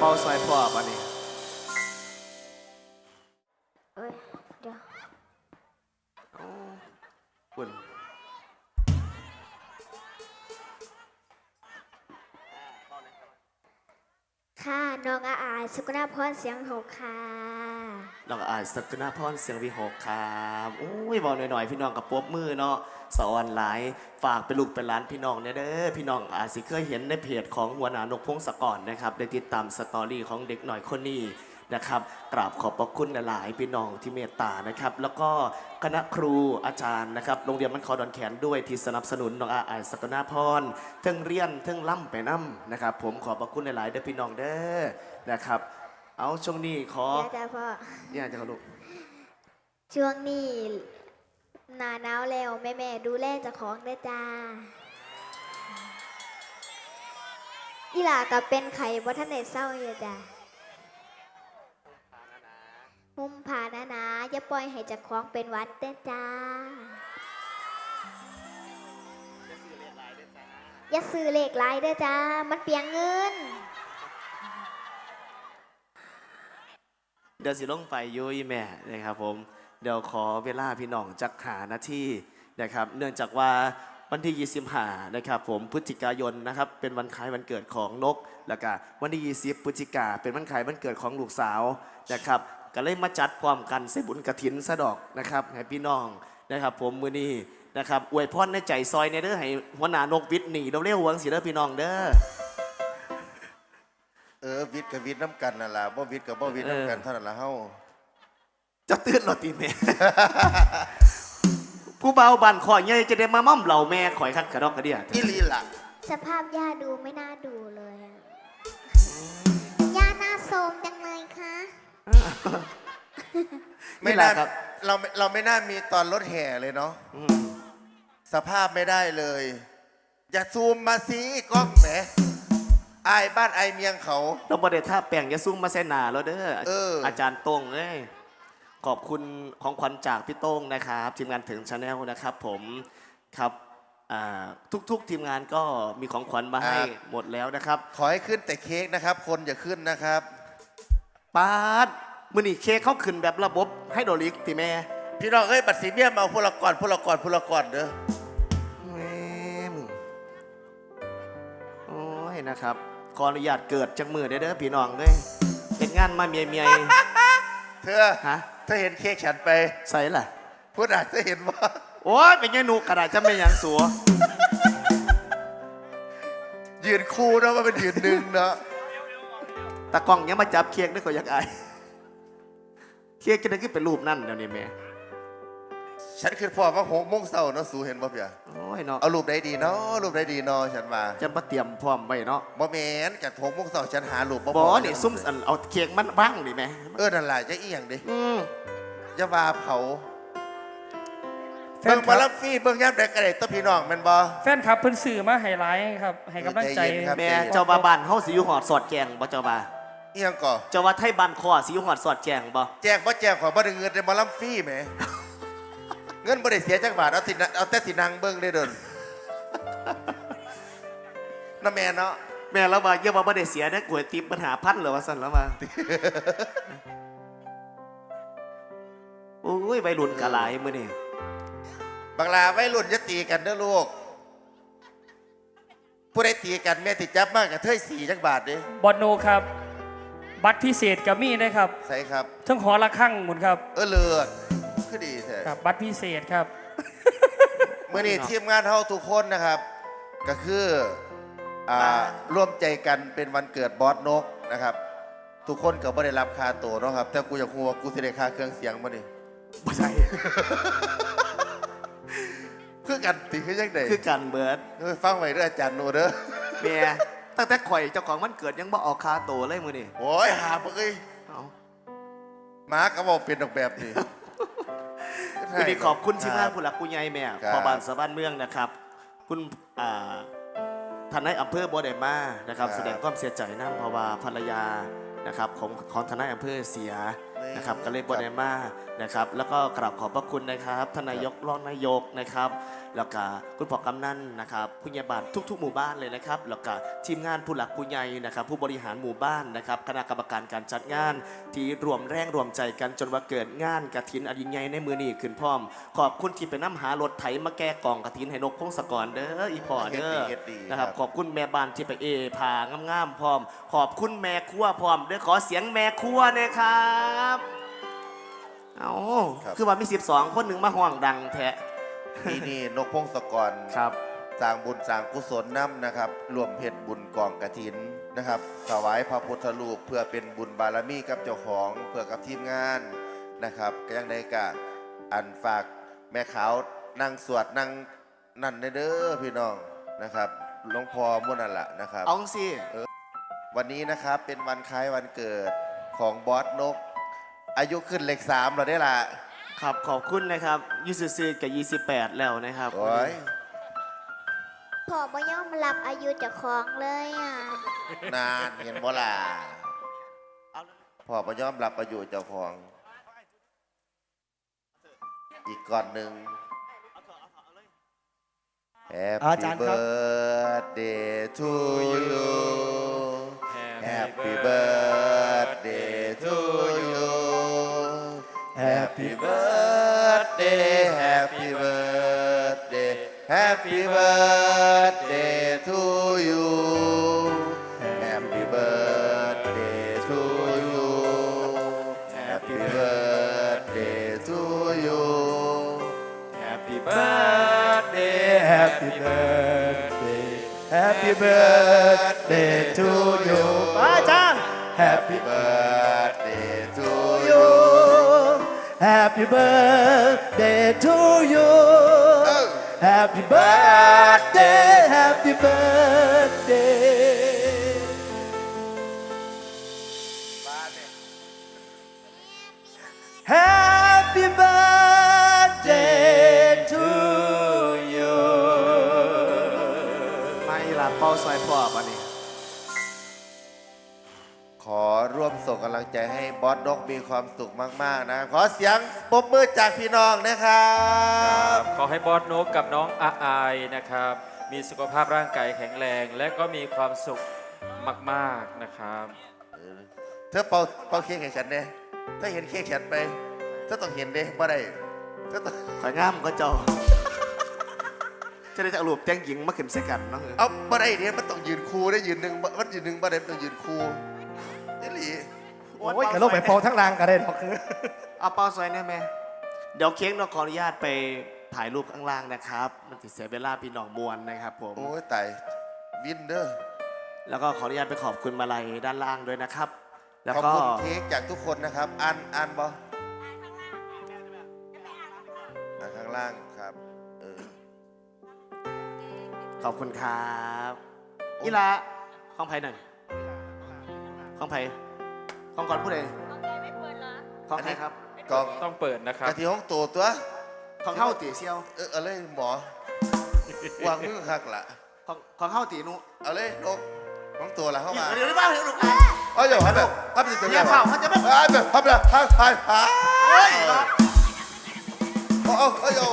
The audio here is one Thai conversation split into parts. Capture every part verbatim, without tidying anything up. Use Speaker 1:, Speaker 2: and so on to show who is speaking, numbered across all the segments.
Speaker 1: าซอยพ่อปะนี่
Speaker 2: เอ้ยเดี๋ยว
Speaker 1: คุณ
Speaker 2: ค่ะน้องอาอายสุกุณาพรเสียงหกค่ะ
Speaker 1: น้องอาจสกุณาพรเสียงวิหกครับโอ้ยบอกหน่อยๆพี่น้องกับปบมือเนาะสอนหลายฝากไปลูกเป็นหลานพี่น้องเนี่ยเด้อพี่น้องอาจสิเคยเห็นในเพจของหัวหน้านกพงศกรนะครับได้ติดตามสตอรี่ของเด็กหน่อยคนนี้นะครับกราบขอบพระคุณหลายพี่น้องที่เมตตานะครับแล้วก็คณะครูอาจารย์นะครับโรงเรียนมันคอดอนแขนด้วยที่สนับสนุนน้องอาอายสกุณาพรเทิงเรียนเทิงล่ำไปน้ำนะครับผมขอบพระคุณหลายๆเด้อพี่น้องเด้อนะครับเอาช่วงนี้ขอ
Speaker 2: เดี๋ยวจ้าพ่อ
Speaker 1: เนี่ยจะเขาลูก
Speaker 2: ช่วงนี้หนาหนาวแล้วแม่แม่ดูแลเจ้าของได้จ้าอีหล่ากับเป็นไข่บ่ทันได้เศร้าอยู่จ้าหุ่มผ่านะนะอย่าปล่อยให้เจ้าของเป็นหวัดเด้อจ้าอย่าซื้อเลขหลายเด้อจ้ามันเปลียงเงิน
Speaker 1: เดี๋ยวสิลงไปยุ้ยแม่นะครับผมเดี๋ยวขอเวลาพี่น้องจักหานาทีนะครับเนื่องจากว่าวันที่ยี่สิบห้านะครับผมพฤศจิกายนนะครับเป็นวันคล้ายวันเกิดของนกแล้วก็วันที่ยี่สิบพฤศจิกาเป็นวันคล้ายวันเกิดของลูกสาวนะครับก็เลยมาจัดพร้อมกันใส่บุญกฐินสะดอกนะครับให้พี่น้องนะครับผมมือนี้นะครับอวยพรในใจซอยในเด้อให้หัวหน้านกวิทย์หนีเราเรียกวังสีเด้อพี่น้องเด้อ
Speaker 3: เออวิทย์กับวิทย์น้ำกันนั่นแหละบ่วิทย์กับบ่วิทย์น้ำกันเท่านั้นละเฮา
Speaker 1: จะตื่นหรอตีแม่ ผู้เบาบันข่อยใหญ่จะได้มาม่อมเหล่าแม่ข่อยคัดกระดอกกระเดีย
Speaker 3: อีลีล่ะ
Speaker 2: สภาพย่าดูไม่น่าดูเลยย่าหน้าโทมจังเลยคะ
Speaker 3: ไม่น่าเราเราไม่น่ามีตอนรถแห่เลยเนาะสภาพไม่ได้เลยอย่าซูมมาสิกล้องแหมไอ้บ้านไอ้เมียงเขา
Speaker 1: เราบริท่าแป่งยาซุ้มมาเสนาแล้วเด้อ
Speaker 3: เออ
Speaker 1: อาจารย์โต้งเอ้ยขอบคุณของขวัญจากพี่โต้งนะครับทีมงานถึงชาแนลนะครับผมครับทุกๆทีมงานก็มีของขวัญมาให้หมดแล้วนะครับ
Speaker 3: ขอให้ขึ้นแต่เค้กนะครับคนอย่าขึ้นนะครับ
Speaker 1: ปาดมือนี่เค้กเขาขึ้นแบบระบบไฮโดรลิกตีแม่
Speaker 3: พี่น้องเอ้ยบัตรสีเมียมเอาพลกรพลกรพลกรเด้อ
Speaker 1: แม่โอ้ยนะครับขออนุญาตเกิดจังมือได้เด้อพี่น้องเลยเห็นงานมาเมียเมีย
Speaker 3: เธอ
Speaker 1: ฮะ
Speaker 3: เธอเห็นเค้กฉันไป
Speaker 1: ใส่ล่ะ
Speaker 3: พูดอาจจะเห็นว่า
Speaker 1: โอ้ยเป็นไงหนูกระดาษจะไม่ยังสัว
Speaker 3: ยืนคู่นะว่าเป็นยืนหนึ่งเนาะ
Speaker 1: ตากล้องยังมาจับเค้กได้ก็อยากอายเค้กจะได้ขึ้นเป็นรูปนั่นเดี๋ยวนี้แม่
Speaker 3: ฉันคือพ่อว่าหกโมงเช้าเนาะสูเห็นป่ะพี่อะ
Speaker 1: โอ้ยเนาะ
Speaker 3: เอารูปได้ดีเนาะรูปได้ดีเนาะฉันมา
Speaker 1: จะมาเตรียมพร้อมไว้เนาะ
Speaker 3: บ่แมนจากหกโมงเช้าฉันหารูปบ่
Speaker 1: บ่นี่ซุ่มเอาเค้กมันบ้างดิแม่
Speaker 3: เออนั่นแหละจะอีหยังดิ
Speaker 1: อืม
Speaker 3: จะว่าเผาเบิ่งมารับฟรีเบิ่งย่ำเด็กกระเด็ดตัวพี่น้องแม่นบ่
Speaker 4: แฟนครับเพิ่นสื่อมาให้ไลฟ์ครับให้กำลังใจ
Speaker 1: แม่เจ้าบาบานเฮาสิอยู่หอดสอดแจงบ่เจ้าบา
Speaker 3: อีหยังก่อ
Speaker 1: เจ้าว่าไทยบ้านคอสิอยู่หอดสอดแจงบ่
Speaker 3: แจงบ่แจงขอบ่ได้เงินได้มารับฟรีแหมเงินบ่ได้เสียจักบาทเอาติเอาแต่สินั่งเบิ่งได้เด้อน้าแม่เนาะ
Speaker 1: แม่แล้วว่าเยอะบ่ได้เสียนะก๋วยตี๋ปัญหาพันเหรอว่าซั่นแล้วมาโอ้ยวัยรุ่นกะหลายมื้อนี้
Speaker 3: บังลาวัยรุ่นจะตีกันเด้อลูกผู้ใดตีกันแม่ติดจับมากกับเทยสี่จักบาทดิ
Speaker 4: บอลโนครับบัตรพิเศษกับมี่ได้ครับ
Speaker 3: ใช่ครับ
Speaker 4: ทั้งหอละข้างหมุนครับ
Speaker 3: เออเลือดคือดีแท้
Speaker 4: ครับบัตรพิเศษครับ
Speaker 3: เมื่อนี้ทีมงานเฮาทุกคนนะครับก็คืออ่าร่วมใจกันเป็นวันเกิดบอสนกนะครับทุกคนก็ไม่ได้รับค่าตัวเนาะครับแต่กูอยากรู้ว่ากูสิได้ค่าเครื่องเสียงบ่นี่
Speaker 1: บ่ใช่
Speaker 3: คือกันติคือจังได๋
Speaker 1: คือกันเบิด
Speaker 3: ฟังไว้เด้ออาจารย์โนเด้อ
Speaker 1: แม่ตั้งแต่ข่อยเจ้าของวันเกิดยังบ่ออกค่าตัวเลยมื้อนี้
Speaker 3: โอ้ยหาบ่เอ้ยเอ้าหมาก็บ่เป็นดอกแบบนี้
Speaker 1: วันนี้ขอบคุณที่มาผู้หลักผู้ใหญ่แม่พ่อบ้านสะบ้านเมืองนะครับคุณอ่าท่านนายอำเภอบ่ได้มานะครับแสดงความเสียใจนำเพราะว่าภรรยานะครับของของท่านนายอำเภอเสียนะครับก็เลยบไดมานะครับแล้วก็กราบขอบพระคุณนะครับทานนายกรองนายกนะครับแล้วก็คุณพ่อกำนันนะครับผู้ใหญ่บ้านทุกๆ หมู่บ้านเลยนะครับแล้วก็ทีมงานผู้หลักผู้ใหญ่นะครับผู้บริหารหมู่บ้านนะครับคณะกรรมการการจัดงานที่รวมแรงรวมใจกันจนว่าเกิดงานกฐินอดินใหญ่ในมือนี้ขึ้นพร้อม ขอบคุณที่ไปน้ำหารถไถมาแก้กล่องกฐินให้นกพงศกรเด้ออีพ่อเด้อ
Speaker 3: เฮ็ดดี
Speaker 1: นะครับ
Speaker 3: ครับ
Speaker 1: ขอบคุณแม่บ้านที่ไปเอพางามๆพร้อม ขอบคุณแม่ครัวพร้อมเด้อขอเสียงแม่ครัวเนี่ยครับเอาคือว่ามีสิบสองคนหนึ่งมาห่วงดังแท้
Speaker 3: ปีนี้นกพงศกร
Speaker 1: ครับ
Speaker 3: สร้างบุญสร้างกุศลน้ำนะครับรวมเพชรบุญกองกฐินนะครับถวายพระพุทธรูปเพื่อเป็นบุญบารมีกับเจ้าของเพื่อกับทีมงานนะครับก็ยังได้กะอันฝากแม่ขาวนั่งสวดนั่งนั่นเด้อพี่น้องนะครับหลวงพ่อมุ่นนั่นแหละนะครับ
Speaker 1: เอาสิ
Speaker 3: วันนี้นะครับเป็นวันคล้ายวันเกิดของบอสนก อายุขึ้นเลขสามแล้วได้ละ
Speaker 1: ครับขอบคุณนะครับยี่สิบสี่กับยี่สิบแปดแล้วนะครับ
Speaker 3: โอ้ย
Speaker 2: พ่อบ่ยอมรับอายุเจ้าของเลยอ่ะ
Speaker 3: นานเห็นบ่ล่ะพ่อประยอมรับประโยชน์เจ้าของ อีกก่อนหนึ่ง
Speaker 5: อา
Speaker 3: Happy
Speaker 5: จารย์ครับ
Speaker 3: birthday to you Happy birthday to you Happy birthday Happy birthday Happy birthday to you Happy birthday to you Happy birthday to you
Speaker 1: Happy
Speaker 5: birthday Happy birthday Happy birthday to you อาจารย์ Happy
Speaker 3: birthday to
Speaker 5: you Happy birthday to you Happy birthday Happy birthday Happy birthday to you
Speaker 1: ไม่ลาเป้าซอยพ่อป่ะนี่
Speaker 3: ขอร่วมส่งกำลังใจให้บอสนกมีความสุขมาก ๆ นะ ขอเสียงปรบมือจากพี่น้องนะครับ
Speaker 6: ขอให้บอสนกกับน้องอาอายนะครับ มีสุขภาพร่างกายแข็งแรง และก็มีความสุขมากๆนะครับ
Speaker 3: เธอเป่าเป่าเค้กให้ฉันเนี่ยถ้าเห็นเค้กฉันไปเธอต้องเห็นเด้บ่ได้เธอต้อง
Speaker 1: ข่อยงามก็เจ้า จะได้จะเอารูปแจ้งหญิงมาขึ้นใส่กันเนาะ
Speaker 3: เอาบ่ได้เนี่ยมันต้องยืนคูได้ยืนหนึ่งมันยืนหนึ่งบ่ได้มันต้องยืนคูนี่หลี
Speaker 5: โอ้ยกระโลกไปเป่าทั้งรางก็ได้หรอกคือ
Speaker 1: เอาเป้าซอยได้ไหมเดี๋ยวเค้กเราขออนุญาตไปถ่ายรูปข้างล่างนะครับ มันติดเสียเวลาพี่น้องมวลนะครับผม
Speaker 3: โอ้ยตายวินเดอร์
Speaker 1: แล้วก็ขออนุญาตไปขอบคุณมาลัยด้านล่างด้วยนะครับ แล้ว
Speaker 3: ขอบ
Speaker 1: ก็
Speaker 3: คุณเค้กจากทุกคนนะครับอ่านอ่านบ่อ่านข้างล่างครับเออ
Speaker 1: ขอบคุณครับอีละข้องไผ่หนึ่งข้องไผ่ข้องก่อนผู้ใดข้องใครครับ
Speaker 3: กอง
Speaker 6: ต้องเปิดนะครับ
Speaker 3: กะทิห้องตัวตัว
Speaker 1: ข้องเข้าตีเซียว
Speaker 3: เออเอาเลยหมอ วางมือคักละ
Speaker 1: ข้องข้องเข้าตีนุ
Speaker 3: เอาเลยนกห้องตัวละเข้ามา
Speaker 1: เดี๋ยวเดี๋ยวบ้าเดี๋ยวลูก
Speaker 3: เอาอย่าพับแบบพับสิตัว
Speaker 1: อย่าเผาเขาจะไม่
Speaker 3: พับแบบพับแบบพับพับพับ
Speaker 1: เฮ้ย
Speaker 3: เอาเอาเอาเอา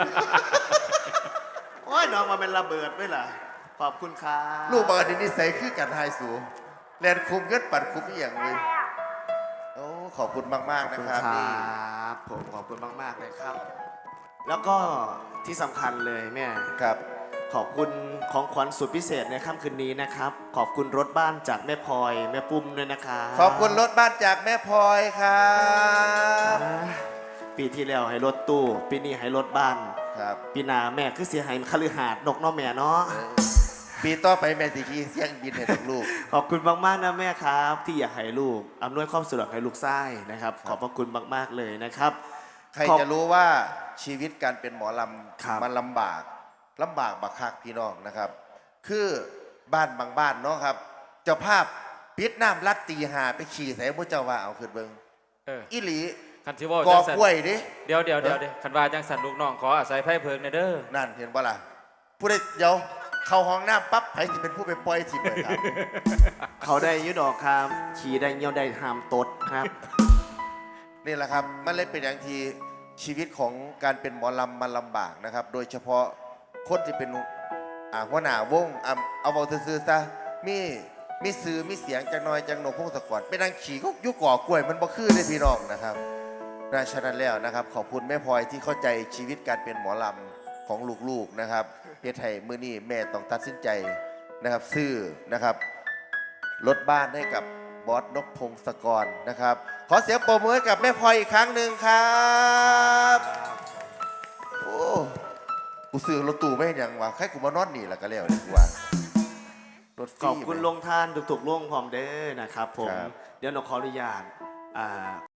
Speaker 1: โอ้ยน้องมาเป็นระเบิดด้วยล่ะขอบคุณครับ
Speaker 3: ลูกบางอันนิสัยคือกันไฮสูแลนคุมเงินปัดคุมอีกอย่างเลยโอ้ขอบคุณมาก
Speaker 1: ขอบ
Speaker 3: ๆ นะ
Speaker 1: คุณ
Speaker 3: ครับ
Speaker 1: คร
Speaker 3: นี่
Speaker 1: ับผมขอบคุณมากๆเลยครับ แล้วก็ที่สำคัญเลยแม่
Speaker 3: ครับ
Speaker 1: ขอบคุณของขวัญสุดพิเศษในค่ำคืนนี้นะครับ ขอบคุณรถบ้านจากแม่พลอยแม่ปุ้มด้วยนะครับ
Speaker 3: ขอบคุณรถบ้านจากแม่พลอยครับ
Speaker 1: อ่าปีที่แล้วให้รถตู้ ปีนี้ให้รถบ้าน
Speaker 3: ครับ
Speaker 1: ปีหน้าแม่คือเสียหายคฤหาสน์นกเน้อแม่เนาะ
Speaker 3: เออปีต่อไปแม่สิขี่เสียงบินให้ลูก
Speaker 1: ขอบคุณมากๆนะแม่ครับ ที่อยากให้ลูกอำนวยความสะดวกให้ลูกไส้นะครับ ขอบพระคุณมากๆเลยนะครับ
Speaker 3: ใคร
Speaker 1: ขอบ
Speaker 3: จะรู้ว่าชีวิตการเป็นหมอล
Speaker 1: ครับ
Speaker 3: ำมันลำบากลำบากบักคักพี่น้องนะครับ คือบ้านบางบ้านเนาะครับ เจ้าภาพปิดน้ำรัดตีหาไปขี่ใส่มุเจ้าว่าเอาขึ้นเบิง
Speaker 6: เออ
Speaker 3: อีหลี
Speaker 6: คันที่ว่าก
Speaker 3: อ
Speaker 6: จังสัน
Speaker 3: กล้วยดิ
Speaker 6: เดี๋ยวเดี๋ยวเดี๋ยวเดี๋ยวคันว่าจังสันลูกน้องขออาศัยไพ่เพิงในอยเด้อ
Speaker 3: นั่นเห็นปะล่ะผู้ใดเดี๋ยวเข้าห้องน้ำปั๊บใครจะเป็นผู้ไปปล่อยทีมเลยครับ
Speaker 1: เขาได้ยุดอกครับ ขี่ได้เงี้ยวได้หามตดครับ
Speaker 3: นี่แหละครับมันเลยเป็นอย่างที่ชีวิตของการเป็นหมอลำมันลำบากนะครับ โดยเฉพาะคนที่เป็นอ่าหัวหน้าวงอ่าเอาเอาซื่อๆซะมีมีสื่อมีเสียงจังน้อยจังโหนกพงศกรเป็นนางขี่ก็ยุกก่อกล้วยมันบ่คือเลยพี่น้องนะครับดังฉะนั้นแล้วนะครับขอบคุณแม่พลอยที่เข้าใจชีวิตการเป็นหมอลำของลูกๆนะครับเฮ็ดให้มื้อนี้แม่ต้องตัดสินใจนะครับซื้อนะครับรถบ้านให้กับบอสนกพงศกรนะครับขอเสียงปรบมือให้กับแม่พลอยอีกครั้งหนึ่งครับโอ้กูซื้อรถตู้ไม่เห็นยังวะใครกูมานอนนี่ล่ะก็แล้วดีกว่ารถฟรี
Speaker 1: ขอบคุณลงทานทุกๆลงพร้อมเด้อนะครับผม
Speaker 3: ครับ
Speaker 1: เดี๋ยวหนกขออนุญาตอ่า